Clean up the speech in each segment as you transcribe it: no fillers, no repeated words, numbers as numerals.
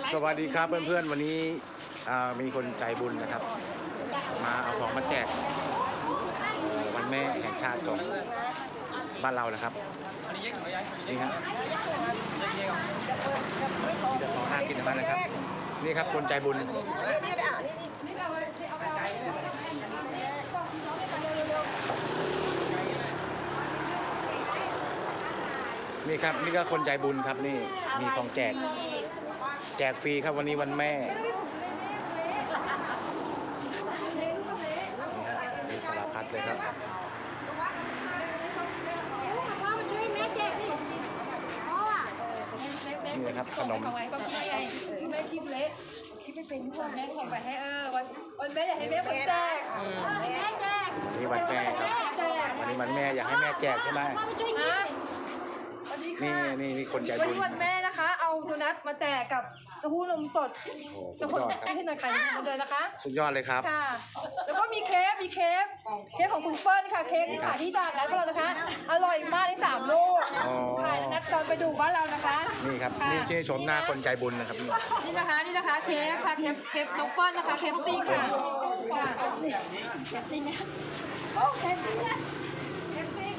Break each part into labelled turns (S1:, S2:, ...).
S1: สวัสดีครับเพื่อนๆวันนี้มีคนใจบุญนะครับมาเอาของมาแจกวันแม่แห่งชาติของบ้านเรานะครับนี่ครับจะของน่ากินมากนะครับนี่ครับคนใจบุญนี่ครับนี่ก็คนใจบุญครับนี่มีของแจกฟรีครับวันนี้วันแม่นี่ฮะมีสารพัดเลยครับนี่นะครับขนม
S2: แม่คิดเละคิดไม่เป็นด้วยแม่ส่งไปให้วันแม่อยากให้แม่แจกแม่แจก
S1: นี่วันแม่ครับวันนี้วันแม่อยากให้แม่แจกใช่ไหมนี่คนใจบุญ
S2: วันนี้วันแม่นะคะเอาโดนัทมาแจกกับเต้าหู้นมสดจะคนให้หน่อยใครมาเดินนะคะ
S1: สุดยอดเลยครับ
S2: ค่ะแล้วก็มีเค้กของคุณเปิ้ลค่ะเค้กที่ขายที่ตลาดนัดของเรานะคะอร่อยมากใน3 ลูกขายนัดตอนไปดูบ้านเรานะคะ
S1: นี่ครับนี่ชื่อชมหน้าคนใจบุญนะครับ
S2: นี่นะคะเค้กค่ะเค้กน้องเปิ้ลนะคะเค้กซิ่งค่ะเค้กซิ่งโอ้เค้กซิ่งเค้กซิ่ง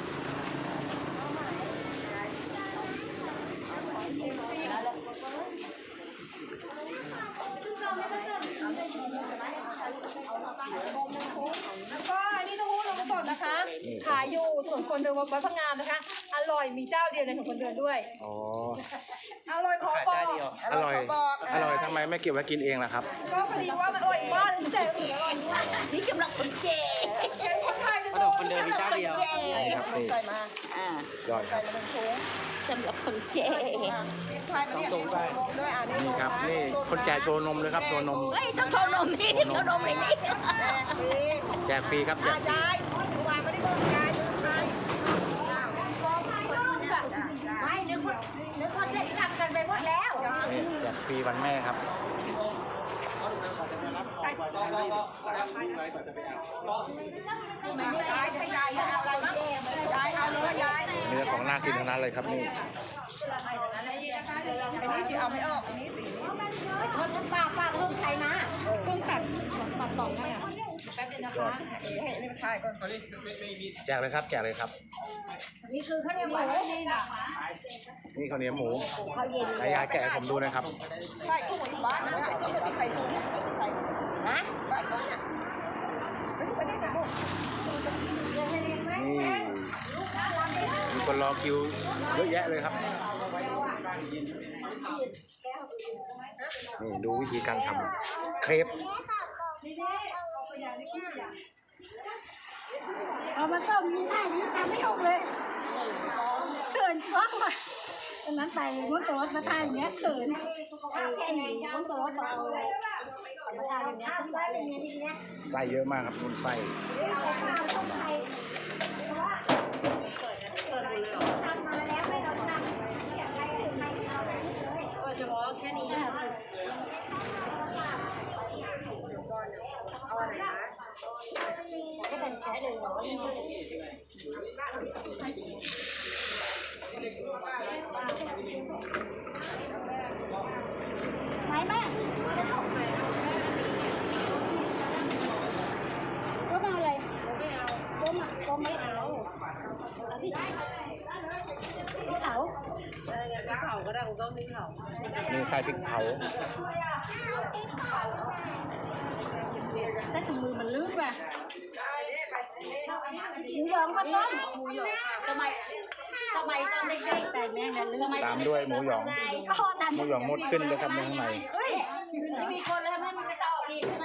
S2: แล้วก็นี่เต้าหู้นมสดนะคะขายอยู่ถนนคนเดินวัดพระงามนะคะอร่อยมีเจ้าเดียวในถนนคนเดินด้วยอร่อยขอบอก
S1: อร่อยทำไมไม่เก็บไว้กินเองล่ะครับ
S2: ก็พอดีว่ามันอร่อยมากเลยแจกอร่อยด้วย
S3: นี่สำหรับคนเก๋
S2: คนไทยจะโดนคนเดินมีเจ้าเดียว
S1: นี่ครับนี่ยอดครับ
S3: สำหรับคนเก๋
S1: นี่ครับนี่คนแก่โชว์นมเลยครับโชว์นม
S3: เฮ้ยต้องโชว์นมนี่โชว์นมเลยนี่
S1: แจกฟรีครับแจกฟรี
S3: ไม่นึกว่าได้ทำกันไปหมดแล้ว
S1: แจกฟรีวันแม่ครับเนื้อของน่ากินทั้งนั้นเลยครับนี่
S4: อันนี้ที่เอาไม่ออกอันนี้สีนี้
S3: ไปทอดน้ำปลาก็ต้องใช้นะ
S2: ต้นตัดต่อนั่นแหละแป๊บนึงนะคะ
S4: ให้นี่มันทายก่อน
S1: แจกเลยครับแจกเลยครับ
S3: นี่คือข้าวเหนียวหมู
S1: นี่ข้าวเหนียวหมูยายแกะผมดูนะครับ
S4: ใช่คู่หมู่บ้านนะต้องมีใครดูเนี่ยไม่มีใคร
S3: นะ
S4: บ้านเขาเนี่ยไม่ได้นะ
S1: นี่มีคนรอคิวเยอะแยะเลยครับนี่ดูวิธีการทำเครป
S3: เอามาต้มนี่ได้นี่ทำไม่ออกเลยเขินฟ้องมาตอนนั้นไปม้วนตัวมาทานอย่างเงี้ยเขินม้วนตัวเอามาทานอย่างเงี้ยได้เลยเนี่ยทีเนี้ย
S1: ไส้เยอะมากครับคุณไส้
S3: เฉพาะแค่นี้เอาอะไรนะก็เป็นแค่100ไหนแม่ก็มาอะไรไม่เอาก็ไม่เอาที่เขา
S2: ก็ได้ก็ไม่เขา
S1: นี่ใส่พริกเผา
S3: แต่ถุงมือมันลื่นว่ะหมูหยองก็ต้มหมูหยองสมัยตอนเด็กๆใส่แม่งลื่น
S1: ตามด้วยหมูหยองมดขึ้นเลยครับในข้างใน
S3: มีคนแล้วไม่มีกระสอบอีกใช่ไหม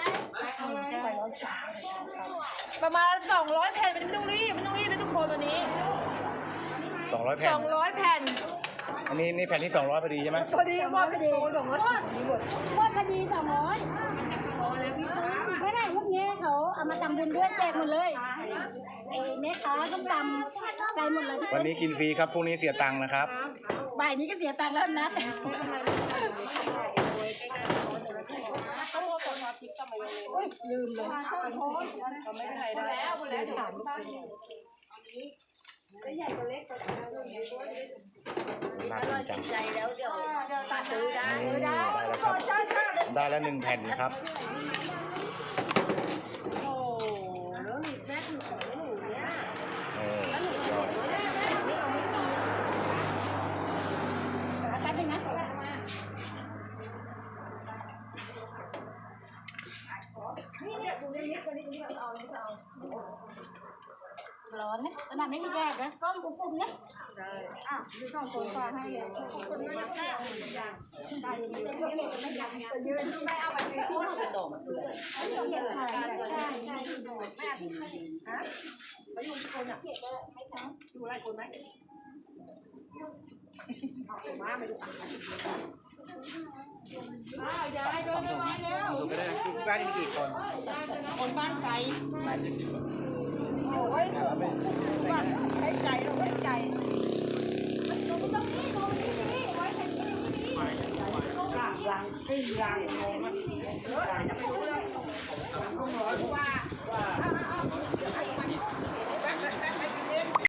S2: ประมาณ200 แผ่นไม่ต้องรีบไม่ต้องคนวันนี้
S1: 200 แผ่น
S2: 200 แผ่น
S1: อันนี้แผ่นที่200พอดีใช่ไหม
S2: พอดีว่าพอดี
S3: ว่าพอดี200ไม่ได้พวกนี้เขาเอามาทำบุญด้วยแจกหมดเลยแม่ค้าต้องทำใจหมดเลย
S1: วันนี้กินฟรีครับพรุ่งนี้เสียตังค์นะครับ
S3: บ่ายนี้ก็เสียตังค์แล้วนะลืมเลย
S2: ไม่ได้แล้วถามลูกใหญ่ตัวเล็ก
S1: น่ากินจัง
S3: ใจแล้วเดี๋ยวตัดซื้อได้
S1: แล้ว
S2: ใช่ค่ะ
S1: ได้แล้ว1 แผ่นนะครับ
S3: โอ้แล้วหนูแม่หนูสวยหนูเนี่ย
S1: ยอด
S3: แป๊บนึงนะร้อนนะขนาดไม่มีแดดนะก้มปุ่มๆนะอ่ะดูสองคนฟ้าให้เลยคนไม่อยากได้ได้ยืนไม่เอาไปพูดกระโดดเหยียบขาใช่ใช่ฮะไปอยู่ที่คนอ่ะอยู่ไรคนไหมมาไปดู
S2: ยายโดนไปแล้ว
S1: ดูก็ได้บ้านมีกี่คน
S2: คนบ้านไกล
S4: โอ้ยว่าให้ใจเราให้ใจจะไปรู้เรื่อง